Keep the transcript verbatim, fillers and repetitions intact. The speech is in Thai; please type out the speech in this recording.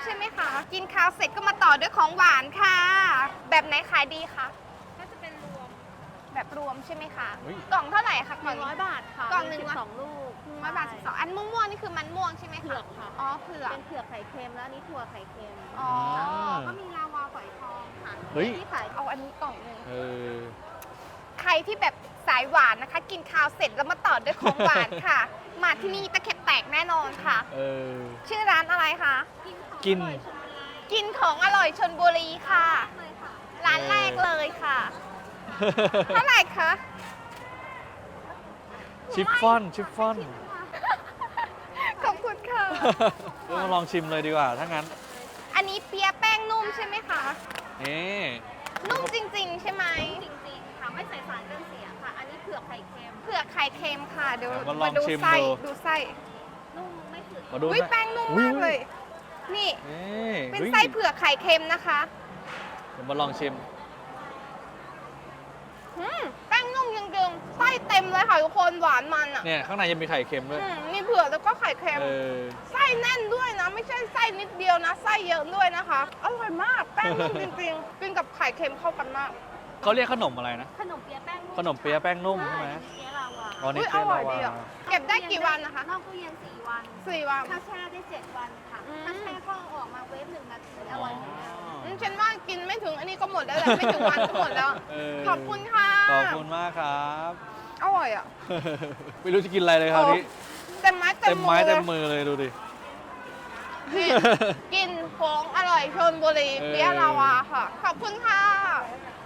ใช่ไหมคะกินข้าวเสร็จก็มาต่อด้วยของหวานค่ะ แบบไหนขายดีคะก็จะเป็นรวมแบบรวมใช่ไหมคะกล่องเท่าไหร่คะกล่องร้อยบาทค่ะกล่องหนึ่งสองลูกร้อยบาทสิบสองอันม่วงๆนี่คือมันม่วงใช่ไหมคะเผือกค่ะอ๋อเผือกเป็นเผือกไข่เค็มแล้วอันนี้ถั่วไข่เค็มอ๋อก็มีลาวาฝอยทองค่ะที่ขายเอาอันนี้กล่องหนึ่งเออใครที่แบบสายหวานนะคะ กินข้าวเสร็จแล้วมาต่อด้วยของหวานค่ะ มาที่นี่ตะเข็บแตกแน่นอนค่ะเออชื่อร้านอะไรคะกินกินของอร่อยชลบุรีค่ะ ร้านแรกเลยค่ะ เท่าไหร่คะชิฟฟ่อนชิฟฟ่อนขอบคุณค่ะเดี๋ยวมาลองชิมเลยดีกว่าถ้างั้นอันนี้เปียะแป้งนุ่มใช่ไหมคะนี่นุ่มจริงๆ ใช่ไหมจริงๆค่ะไม่ใส่สารกันเสียค่ะ อันนี้เผือกไข่เค็มเผือกไข่เค็มค่ะเดี๋ยวมาลองชิมไส้ดูดูไส้นุ่มไม่ถือมาดูอุ้ยนะแป้งนุ่มอุ๊มากเลย นี่นี่เป็นฮ้ยไส้เผือกไข่เค็มนะคะเดี๋ยวมาลองชิมอืมแป้งนุ่มยังเดิมไส้เต็มเลยค่ะทุกคนหวานมันอ่ะเนี่ยข้างในยังมีไข่เค็มด้วยอืมมีเผือกแล้วก็ไข่เค็มเออไส้แน่นด้วยนะ ไม่ใช่ไส้นิดเดียวนะไส้เยอะด้วยนะคะอร่อยมากแป้งนุ่มจริงๆกินกับไข่เค็มเข้ากันมากเขาเรียกขนมอะไรนะขนมเปี๊ยะแป้งนุ่มขนมเปี๊ยะแป้งนุ่มใช่ไหมเปี๊ยะลาวาอ๋อนี่อุ๊ยเปี๊ยะอร่อยลาวาดีอ่ะเก็บได้กี่วันนะคะนอกตู้เย็นสี่วันสี่วันถ้าแช่ได้เจ็ดวันค่ะอืมถ้าแช่ก็เอาออกมาเวฟหนึ่งนาทีอร่อยเหมือนกันอืมฉันว่ากินไม่ถึงอันนี้ก็หมดแล้วแหละไม่ถึงวันก็หมดแล้วเออขอบคุณค่ะขอบคุณมากครับอร่อยอ่ะไม่รู้จะกินอะไรเลยคราวนี้เต็มไม้เต็เต็มมมืไม้อเลเต็ยมมือเลยดูดิกินกินของอร่อยชลบุรีเออเปี๊ยะลาวาค่ะ ขอบคุณค่ะ